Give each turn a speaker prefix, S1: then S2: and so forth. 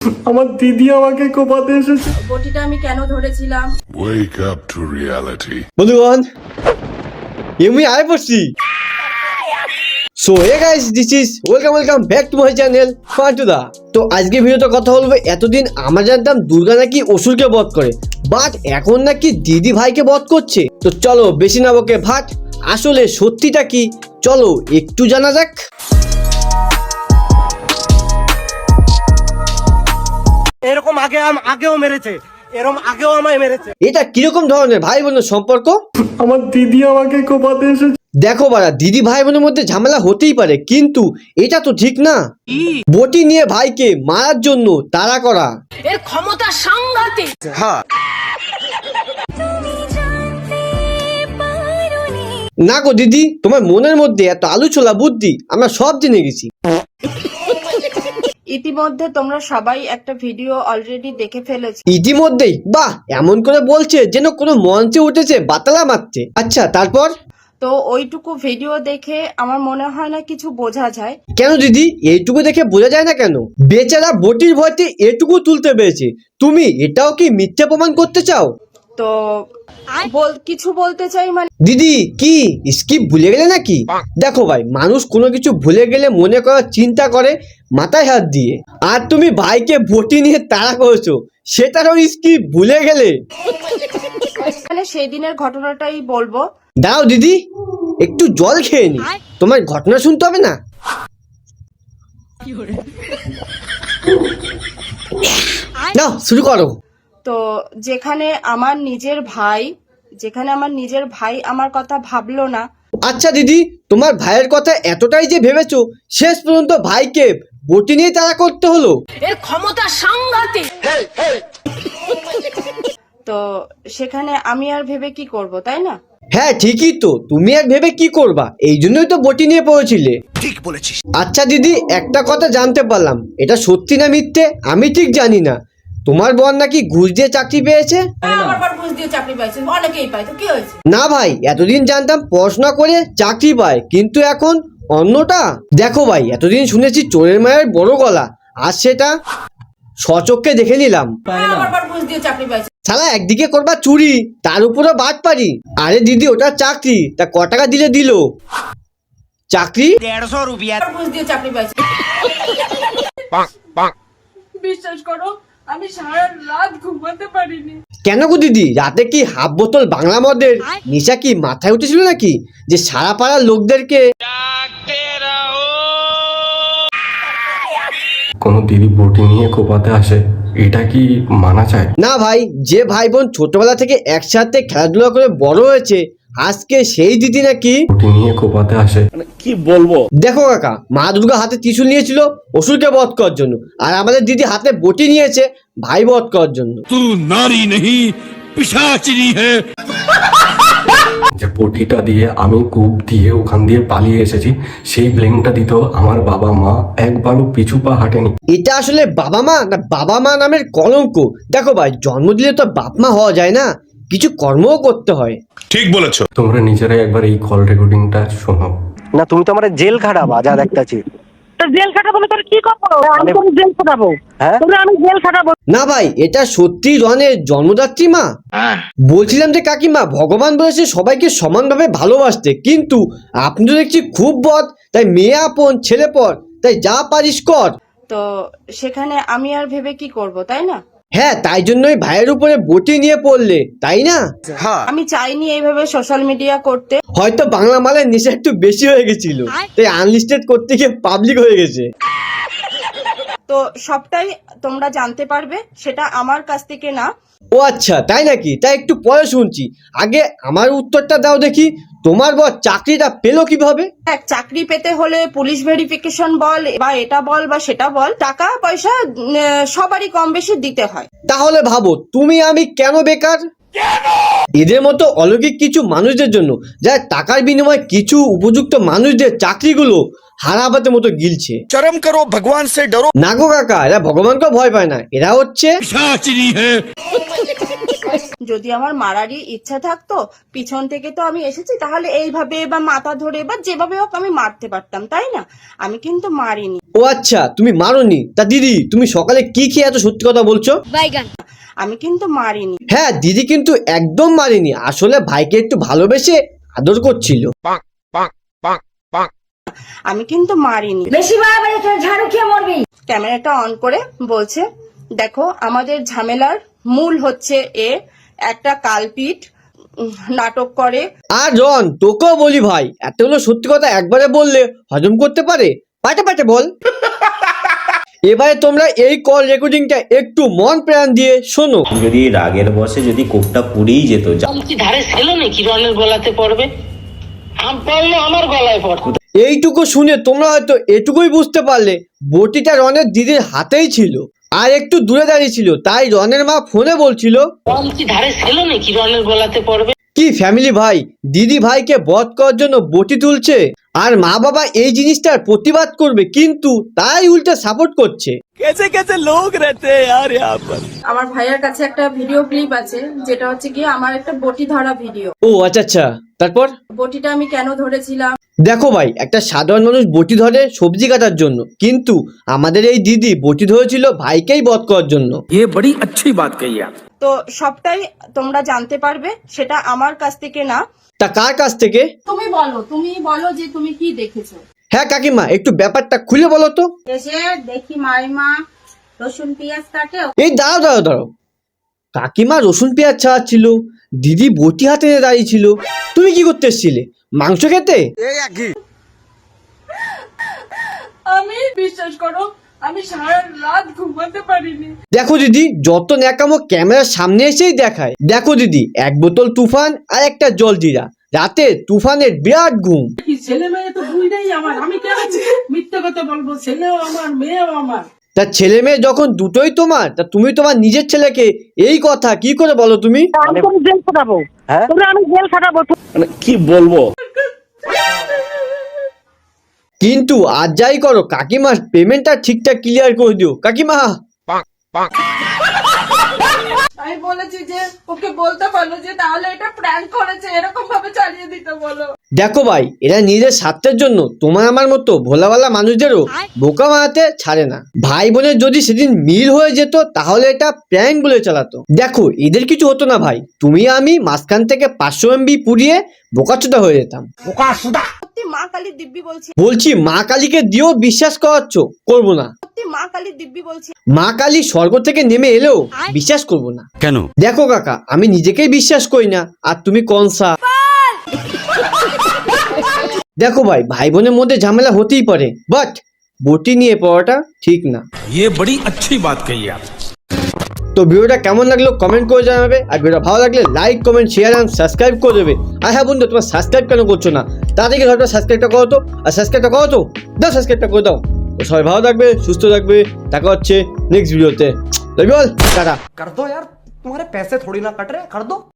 S1: আমার দিদি আমাকে কোপাতে এসেছে।
S2: বটিটা আমি কেন ধরেছিলাম?
S3: Wake up to reality.
S4: বন্ধুগণ আমি আয় পড়ছি। So hey guys, this is welcome back to my channel Fantuda. তো আজকে ভিডিওতে কথা বলবো, এতদিন আমরা জানতাম দুর্গা নাকি অসুরকে বধ করে, বাট এখন নাকি দিদি ভাইকে বধ করছে। তো চলো বেশি না বকে ভাট, আসলে সত্যিটা কি চলো একটু জানা যাক।
S5: এরকম আগেও মেরেছে, এরকম আগেও আমায় মেরেছে।
S4: এটা কিরকম ধরনের ভাই বোনের সম্পর্ক?
S1: আমার দিদি আমাকে কোপাতে এসেছে।
S4: দেখো বাড়া, দিদি ভাই বোনের মধ্যে ঝামেলা হতেই পারে, কিন্তু এটা তো ঠিক না। বটি নিয়ে ভাইকে মারার জন্য তাড়া করা,
S2: এর ক্ষমতা সাংঘাতিক।
S4: না গো দিদি, তোমার মনের মধ্যে এত আলু ছোলা বুদ্ধি আমরা সব জেনে গেছি।
S2: ইতিমধ্যে তোমরা সবাই একটা ভিডিও অলরেডি দেখে ফেলেছো।
S4: ইতিমধ্যেই? বাহ, এমন করে বলছে যেন কোনো মঞ্চে উঠেছে বাতালা মারছে। আচ্ছা তারপর?
S2: তো ওইটুকু ভিডিও দেখে আমার মনে হয় না কিছু বোঝা যায়।
S4: কেন দিদি, এইটুকু দেখে বোঝা যায় না কেন? বেচারা বটির ভয়তে এটুকু তুলতে পেরেছে, তুমি এটাও কি মিথ্যা প্রমাণ করতে চাও?
S2: তো কিছু বলতে চাই মানে।
S4: দিদি কি স্কিপ ভুলে গেলে নাকি? দেখো ভাই, মানুষ কোনো কিছু ভুলে গেলে মনে করার চিন্তা করে মাথায় হাত দিয়ে, আর তুমি ভাইকে বটি নিয়ে তাড়া করেছো, সেটারও স্কিপ ভুলে গেলে।
S2: মানে সেই দিনের ঘটনাটাই বলবো।
S4: দাও দিদি, একটু জল খেয়ে নি, তোমার ঘটনা শুনতে হবে না? নাও শুরু করো।
S2: তো যেখানে আমার নিজের ভাই আমার কথা ভাবলো না।
S4: আচ্ছা দিদি, তোমার ভাইয়ের কথা এতটাই যে ভেবেছো, শেষ পর্যন্ত ভাইকে বটি নিয়ে তাড়া করতে হলো।
S2: এর ক্ষমতা সাংঘাতিক। তো সেখানে আমি আর ভেবে কি করব, তাই না?
S4: হ্যাঁ ঠিকই তো, তুমি আর ভেবে কি করবা, এই জন্যই তো বটি নিয়ে পড়েছিলে।
S5: ঠিক বলেছিস।
S4: আচ্ছা দিদি, একটা কথা জানতে পারলাম, এটা সত্যি না মিথ্যে আমি ঠিক জানি না, তোমার বোন নাকি ঘুষ দিয়ে চাকরি পেয়েছে?
S2: আমার পর ঘুষ দিয়ে চাকরি পাইছে, অনেকেই পায়, তো কি হয়েছে?
S4: না ভাই, এতদিন জানতাম পড়াশোনা করে চাকরি পায়, কিন্তু এখন অন্যটা। দেখো ভাই, এতদিন শুনেছি চোরের মায়ের বড় গলা, আর সেটা স্বচক্ষে দেখে নিলাম।
S2: আমার পর ঘুষ দিয়ে চাকরি পাইছে।
S4: শালা একদিকে করবা চুরি, তার উপরে বাদ পারি। আরে দিদি, ওটা চাকরি, তা ক টাকা দিলে দিল? চাকরি
S5: 150 রুপিয়া।
S2: ঘুষ দিয়ে চাকরি পাইছে। বিশ্বাস করো, আমি সারা রাত ঘুমাতে পারিনি।
S4: কেন গো দিদি, রাতে কি হাফ বোতল বাংলা মদের নেশা কি মাথায় উঠেছিল নাকি, যে সারা পাড়ার লোকদেরকে?
S1: কোনো দিদি বটি নিয়ে কোপাতে আসে, এটা কি মানা চায়?
S4: না ভাই, যে ভাই বোন ছোটবেলা থেকে একসাথে খেলাধুলা করে বড় হয়েছে, আজকে সেই দিদি নাকি
S1: বটি নিয়ে কোপাতে আসে।
S4: দেখো কাকা, মা দুর্গা হাতে ত্রিশূল নিয়েছিল অসুরকে বধ করার জন্য, আর আমাদের দিদি হাতে বটি নিয়েছে ভাই বধ করার জন্য।
S1: যে বটিটা দিয়ে আমি কূপ দিয়ে ওখান দিয়ে পালিয়ে এসেছি, সেই ব্লেমটা দিত আমার বাবা মা, একবারও পিছু পা হাঁটেনি।
S4: এটা আসলে বাবা মা না বাবা মা নামের কলঙ্ক। দেখো ভাই, জন্ম দিলে তো বাপ মা হওয়া যায় না, কিছু কর্মও করতে হয়।
S3: ঠিক বলেছো।
S1: তোমরা নিজেরাই একবার এই কল রেকর্ডিংটা শোনো।
S5: না তুমি তো আমার জেল খাটাবা, যা দেখতেছি।
S6: তো জেল খাটাবো না, তোর কি করবো? আমি তোর জেল খাটাবো।
S5: হ্যাঁ?
S6: তোরে আমি জেল খাটাবো।
S4: না ভাই, এটা সত্যি রনের জন্মদাত্রী মা। বলছিলাম যে কাকিমা, ভগবান বলেছে সবাইকে সমানভাবে ভালোবাসতে, কিন্তু আপনি তো দেখছি খুব বদ, তাই মেয়ে আপন ছেলে পর, তাই যা পারিস কর।
S2: তো সেখানে আমি আর ভেবে কি করব, তাই না?
S4: হ্যাঁ, তাই জন্যই ভাইয়ের উপরে বটি নিয়ে পড়লে, তাই না?
S2: আমি চাইনি এইভাবে সোশ্যাল মিডিয়া করতে।
S4: হয়তো বাংলা মালের নেশা একটু বেশি হয়ে গেছিল, তাই আনলিস্টেড করতে গিয়ে পাবলিক হয়ে গেছে।
S2: তো সবটাই তোমরা জানতে পারবে, সেটা আমার কাছ থেকে না।
S4: ও আচ্ছা, তাই নাকি? তাই একটু পরে শুনছি, আগে আমার উত্তরটা দাও দেখি, তোমার বর চাকরিটা পেলো কিভাবে?
S2: এক চাকরি পেতে হলে পুলিশ ভেরিফিকেশন বল বা এটা বল বা সেটা বল, টাকা পয়সা সবারই কম বেশি দিতে হয়।
S4: তাহলে ভাবো তুমি আমি কেন বেকার? এদের মতো অলৌকিক কিছু মানুষদের জন্য, যারা টাকার বিনিময়ে কিছু উপযুক্ত মানুষদের চাকরিগুলো হারাবাতের মতো গিলছে।
S5: চরম করো, ভগবান সে ডরো।
S4: না গো কাকা, এরা ভগবানকে ভয় পায় না, এরা হচ্ছে
S2: যদি আমার মারারই ইচ্ছা থাকতো, পিছন থেকে তো আমি এসেছি, তাহলে এইভাবে বা মাথা ধরে বা যেভাবে হোক আমি মারতে পারতাম, তাই না? আমি কিন্তু মারিনি।
S4: ও আচ্ছা, তুমি মারোনি? তা দিদি, তুমি সকালে কি খেয়ে এত সত্যি কথা বলছো?
S2: আমি কিন্তু মারিনি।
S4: হ্যাঁ, দিদি কিন্তু একদম মারেনি, আসলে ভাইকে একটু ভালোবেসে আদর করছিল।
S2: আমি কিন্তু মারিনি।
S7: বেশি বাড়াবাড়ি তোর ঝাড়ু খেয়ে মরবি।
S2: ক্যামেরাটা অন করে বলছে, দেখো আমাদের ঝামেলার মূল হচ্ছে একটা কালপিট নাটক করে।
S4: আর রন, তোকেও বলি ভাই, এতগুলো সত্যি কথা একবারে বললে হজম করতে পারে? পাটে পাটে বল। এবারে তোমরা এই কল রেকর্ডিংটা একটু মন প্রাণ দিয়ে শোনো।
S8: যদি রাগের বসে যদি কোপটা পুড়েই যেত,
S9: কি ধারে ছিল নাকি রনের গলাতে পড়বে? আম পড়লো আমার গলায় পড়তো।
S4: এইটুকু শুনে তোমরা হয়তো এটুকুই বুঝতে পারলে বটিটা রনের দিদির হাতেই ছিল আর একটু দূরে দাঁড়িয়ে ছিল, তাই রনের মা ফোনে বলছিল
S9: কি ধারে ছিল নাকি রনের গলাতে পড়বে।
S4: কি ফ্যামিলি ভাই, দিদি ভাইকে বধ করার জন্য বটি তুলছে আর মা বাবা এই জিনিসটার প্রতিবাদ করবে, কিন্তু তাই উল্টে সাপোর্ট করছে।
S2: আমার ভাইয়ের কাছে একটা ভিডিও ক্লিপ আছে, যেটা হচ্ছে কি আমার একটা বটি ধরা ভিডিও।
S4: ও আচ্ছা আচ্ছা, তারপর?
S2: বটিটা আমি কেন ধরেছিলাম?
S4: দেখো ভাই, একটা সাধারণ মানুষ বটি ধরে সবজি কাটার জন্য, কিন্তু আমাদের এই দিদি বটি ধরেছিল ভাইকেই বধ করার জন্য।
S2: তো সবটাই তোমরা জানতে পারবে, সেটা আমার কাছ থেকে না।
S4: তা কার কাছ থেকে?
S2: তুমি বলো যে তুমি কি দেখেছো।
S4: হ্যাঁ কাকিমা, একটু ব্যাপারটা খুলে বলো তো।
S7: এসে দেখি মাইমা রসুন পেঁয়াজ কাটে।
S4: এই দাঁড়াও দাঁড়াও দাঁড়াও, কাকিমা রসুন পেঁয়াজ ছাড়াচ্ছিল, দিদি বটি হাতে নিয়ে দাঁড়িয়ে ছিল, তুমি কি করতে এসেছিলে? মাংস খেতে?
S2: আমি বিশ্বাস করো, আমি সারা রাত ঘুমাতে পারিনি।
S4: দেখো দিদি, যত ন্যাকামো ক্যামেরার সামনে এসেই দেখায়। দেখো দিদি, এক বোতল তুফান আর একটা জলজিরা, রাতে তুফানের বিরাট ঘুম।
S9: ছেলে মেয়ে তো দুইটাই আমার, আমি কেন মিথ্যে কথা বলবো? ছেলেও আমার, মেয়েও আমার।
S4: তা ছেলে মেয়ে যখন দুটোই তোমার, তা তুমি তোমার নিজের ছেলেকে এই কথা কি করে বলো তুমি?
S6: আমি তোর জেল খাটাবো। তোরে আমি জেল খাটাবো।
S8: কি বলবো?
S4: কিন্তু আজ যাই করো, কাকিমার পেমেন্টটা ঠিকঠাক ক্লিয়ার করে দিও কাকিমা।
S2: আমি বলেছি যে ওকে বলতে পারলো যে তাহলে এটা প্র্যাঙ্ক করেছে, এরকম ভাবে চালিয়ে দিতে বলো।
S4: দেখো ভাই, এরা নিজের স্বার্থের জন্য তোমার আমার মতো ভোলাওয়ালা মানুষদেরও বোকা বানাতে ছাড়ে না। ভাই বোনের যদি সেদিন মিল হয়ে যেত, তাহলে এটা প্র্যাঙ্ক বলে চালাতো। দেখো, এদের কিছু হতো না ভাই, তুমি আমি মাঝখান থেকে 500 MB পুড়িয়ে বোকাচোদা হয়ে যেতাম।
S2: সত্যি মা কালী দিব্যি বলছি,
S4: বলছি মা কালীকে দিয়েও বিশ্বাস করাচ্ছ? করবো না।
S2: সত্যি মা কালী দিব্যি বলছি।
S4: মা কালী স্বর্গ থেকে নেমে এলেও বিশ্বাস করবো না।
S8: কেন?
S4: দেখো কাকা, আমি নিজেকেই বিশ্বাস করি না, আর তুমি কনসা। দেখো ভাই, ভাই বোনের মধ্যে ঝামেলা হতেই পারে, বাট বটি নিয়ে পড়াটা ঠিক না।
S10: ये बड़ी अच्छी बात कही आप।
S4: তো ভিডিওটা কেমন লাগলো কমেন্ট করে জানাবে, আর ভিডিওটা ভালো লাগলে like comment share and subscribe করে দেবে। আর হ্যাঁ বন্ধু, তোমার সাবস্ক্রাইব কেন করছো না? তাদেরকে ধরো সাবস্ক্রাইবটা করো তো, আর সাবস্ক্রাইবটা করো তো, দাও সাবস্ক্রাইবটা করে দাও। তো সবাই ভালো থাকবে, সুস্থ থাকবে, দেখা হচ্ছে নেক্সট ভিডিওতে। বল টাটা।
S5: कर दो यार, तुम्हारे पैसे थोड़ी ना कट रहे, कर दो।